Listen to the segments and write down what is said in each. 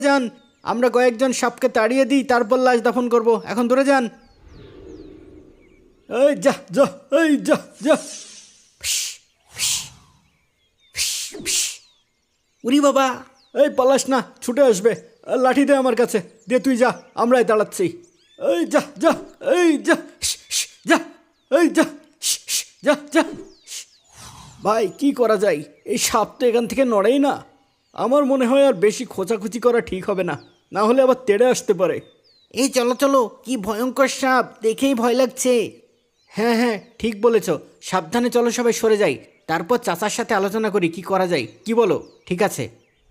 যান, আমরা কয়েকজন সাপকে তাড়িয়ে দিই, তারপর লাশ দাফন করব। এখন দূরে যান। এই যা যা, এই যা যা। উরি বাবা, এই পালাস না, ছুটে আসবে। লাঠি দে আমার কাছে, দে তুই যা, আমরাই দাঁড়াচ্ছি। এই যা যা, এই যা যা, এই যা যা যা। ভাই কি করা যায়, এই সাপ তো এখান থেকে নড়েই না। আমার মনে হয় আর বেশি খোঁচাখুচি করা ঠিক হবে না, না হলে আবার তেড়ে আসতে পারে। এই চলো চলো, কি ভয়ঙ্কর সাপ, দেখেই ভয় লাগছে। হ্যাঁ হ্যাঁ ঠিক বলেছ, সাবধানে চলো, সবাই সরে যাই, তারপর চাচার সাথে আলোচনা করি কি করা যায়। কি বলো? ঠিক আছে।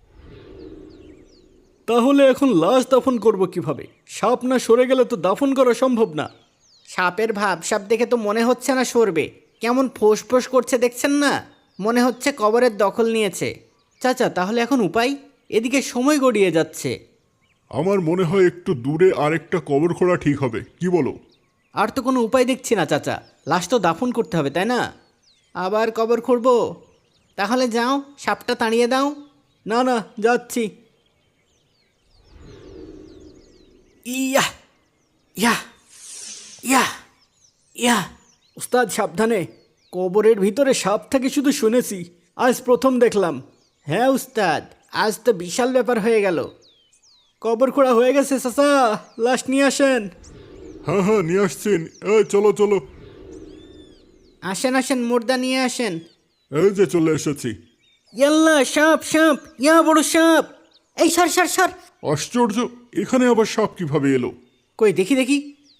তাহলে এখন লাশ দাফন করব কিভাবে? সাপ না সরে গেলে তো দাফন করা সম্ভব না। সাপের ভাব সাপ দেখে তো মনে হচ্ছে না সরবে, কেমন ফোঁস করছে দেখছেন না, মনে হচ্ছে কবরের দখল নিয়েছে। চাচা তাহলে এখন উপায়? এদিকে সময় গড়িয়ে যাচ্ছে। আমার মনে হয় একটু দূরে আরেকটা কবর খোঁড়া ঠিক হবে, কি বলো? আর তো কোনো উপায় দেখছি না চাচা, লাশ তো দাফন করতে হবে তাই না? আবার কবর খুঁড়ব? তাহলে যাও, সাপটা তাড়িয়ে দাও। না না, যাচ্ছি। ইয়া ইয়া ইয়া ইয়া। উস্তাদ সাবধানে, কবরের ভিতরে সাপ থাকে শুধু শুনেছি, আজ প্রথম দেখলাম। হ্যাঁ উস্তাদ, আজ তো বিশাল ব্যাপার হয়ে গেল। কবর খোঁড়া হয়ে গেছে চাচা, লাশ নিয়ে আসেন। হ্যাঁ হ্যাঁ নিয়ে আসছেন, এই চলো চলো। আসেন আসেন, মুর্দা নিয়ে আসেন। এই যে চলে এসেছি। ইয়াল্লা, সাপ সাপ, ইয়া বড় সাপ। এই সর সর সর। আশ্চর্য, এখানে আবার সাপ কিভাবে এলো? কই দেখি দেখি।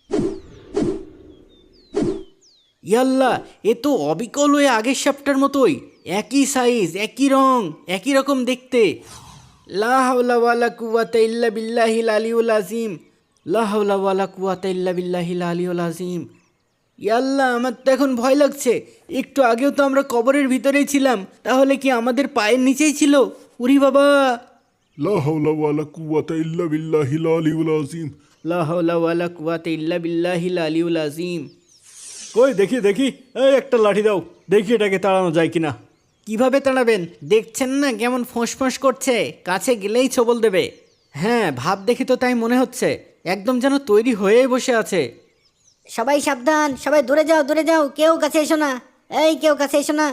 ইয়াল্লা, এ তো অবিকল হয়ে আগের সাপটার মতোই, একই সাইজ, একই রং, একই রকম দেখতে। লা হাওলা ওয়ালা কুওয়াতা ইল্লা বিল্লাহিল আলিউল আযীম, লা হাওলা ওয়ালা কুওয়াতা ইল্লা বিল্লাহিল আলিউল আযীম। ইয়াল্লা, আমার তো এখন ভয় লাগছে। একটু আগেও তো আমরা কবরের ভিতরেই ছিলাম, তাহলে কি আমাদের পায়ের নিচেই ছিল? উরি বাবা। লা হাওলা ওয়ালা কুওয়াতা ইল্লা বিল্লাহিল আলিউল আযীম। লা হাওলা ওয়ালা কুওয়াতা ইল্লা বিল্লাহিল আলিউল আযীম। কই দেখি দেখি, এই একটা লাঠি দাও, দেখি এটাকে তাড়ানো যায় কিনা। কিভাবে তাড়াবেন? দেখছেন না কেমন ফোঁস করছে, কাছে গেলেই ছবল দেবে। হ্যাঁ, ভাব দেখি তো তাই মনে হচ্ছে, একদম যেন তৈরি হয়েই বসে আছে। সবাই সাবধান, সবাই দূরে যাও দূরে যাও, কেউ কাছে এসো না, এই কেউ কাছে এসো না।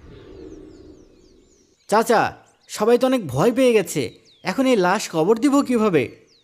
চাচা, সবাই তো অনেক ভয় পেয়ে গেছে, এখন এই লাশ কবর দিব কিভাবে?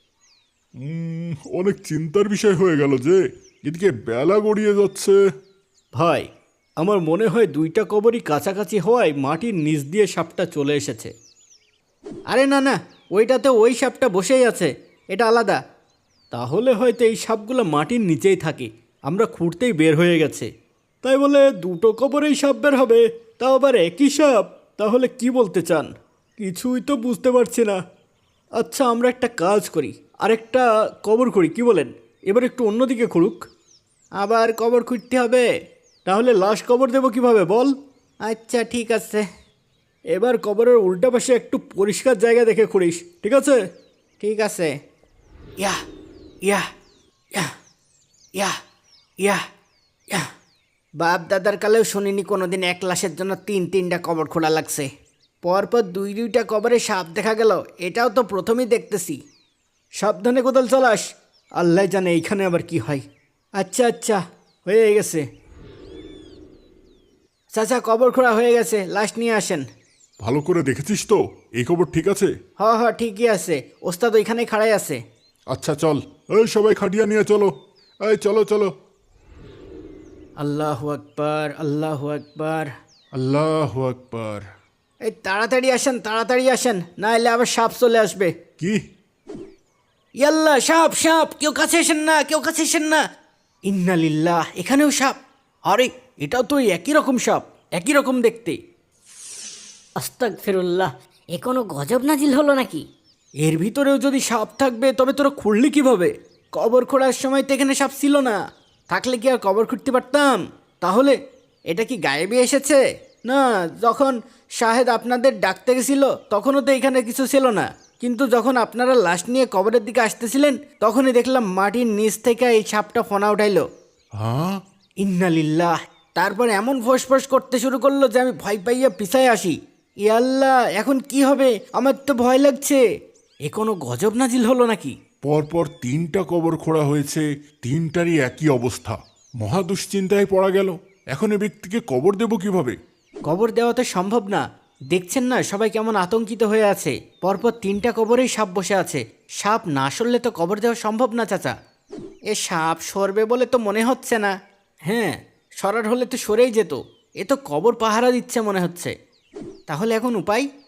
অনেক চিন্তার বিষয় হয়ে গেল যে, এদিকে বেলা গড়িয়ে যাচ্ছে। ভাই, আমার মনে হয় দুইটা কবরই কাছাকাছি হওয়ায় মাটির নিচ দিয়ে সাপটা চলে এসেছে। আরে না না, ওইটাতে ওই সাপটা বসেই আছে, এটা আলাদা। তাহলে হয়তো এই সাপগুলো মাটির নিচেই থাকে, আমরা খুঁড়তেই বের হয়ে গেছে। তাই বলে দুটো কবরেই সাপ বের হবে, তাও আবার একই সাপ? তাহলে কি বলতে চান? কিছুই তো বুঝতে পারছি না। আচ্ছা, আমরা একটা কাজ করি, আরেকটা কবর করি, কি বলেন? এবার একটু অন্যদিকে খুঁড়ুক। আবার কবর খুঁড়তে হবে? তাহলে লাশ কবর দেবো কিভাবে বল? আচ্ছা ঠিক আছে, এবার কবরের উল্টা পাশে একটু পরিষ্কার জায়গা দেখে খুঁড়িস, ঠিক আছে? ঠিক আছে। ইয়া ইয়া ইয়া ইয়া ইয়া ইয়া। বাপ দাদার কালেও শুনিনি কোনোদিন এক লাশের জন্য তিনটা কবর খোঁড়া লাগছে। পরপর দুইটা কবরে সাপ দেখা গেল, এটাও তো প্রথমেই দেখতেছি। সাবধানে কোদাল চালাস, আল্লাহ জানে এইখানে আবার কি হয়। আচ্ছা আচ্ছা, হয়ে গেছে। চাচা, কবর খোঁড়া হয়ে গেছে, লাশ নিয়ে আসেন। ভালো করে দেখেছিস তো, এই খবর ঠিক আছে? হ হ ঠিকই আছে, ওস্তাদ ওইখানেই খাড়াই আছে। আচ্ছা চল, এই সবাই খাটিয়া নিয়ে চলো, এই চলো চলো। আল্লাহু আকবার, আল্লাহু আকবার। আল্লাহু আকবার। এই তাড়াতাড়ি আসেন, তাড়াতাড়ি আসেন, না এলে আবার সাপ চলে আসবে। কি? ইয়াল্লা, সাপ সাপ, কেউ কাছে এসেন না, কেউ কাছে এসেন না। ইন্নালিল্লাহ, এখানেও সাপ। আরে, এটাও তো ওই একই রকম সাপ, একই রকম দেখতে। আস্তাগফিরুল্লাহ, এ কোনো গজব নাজিল হলো নাকি? এর ভিতরেও যদি সাপ থাকবে তবে তোরা খুঁড়লি কিভাবে? কবর খোঁড়ার সময় তো এখানে সাপ ছিল না, থাকলে কি আর কবর খুঁড়তে পারতাম? তাহলে এটা কি গায়েবে এসেছে? না, যখন শাহেদ আপনাদের ডাকতে গেছিল তখনও তো এখানে কিছু ছিল না, কিন্তু যখন আপনারা লাশ নিয়ে কবরের দিকে আসতেছিলেন তখনই দেখলাম মাটির নিচ থেকে এই সাপটা ফনা উঠাইলো। হ্যাঁ? ইন্নালিল্লাহ। তারপর এমন ফোঁস করতে শুরু করলো যে আমি ভয় পাইয়া পিছায় আসি। ইয়াল্লাহ, এখন কি হবে? আমার তো ভয় লাগছে। এ কোনো গজব নাজিল হলো নাকি? পরপর 3টা কবর খোঁড়া হয়েছে, 3টারই একই অবস্থা। মহা দুশ্চিন্তায় পড়া গেল। এখন এ ব্যক্তিকে কবর দেব কিভাবে? কবর দেওয়া তো সম্ভব না। দেখছেন না সবাই কেমন আতঙ্কিত হয়ে আছে। পরপর 3টা কবরেই সাপ বসে আছে। সাপ না সরলে তো কবর দেওয়া সম্ভব না চাচা। এ সাপ সরবে বলে তো মনে হচ্ছে না। হ্যাঁ, সরার হলে তো সরেই যেত। এ তো কবর পাহারা দিচ্ছে মনে হচ্ছে। তাহলে এখন উপায়?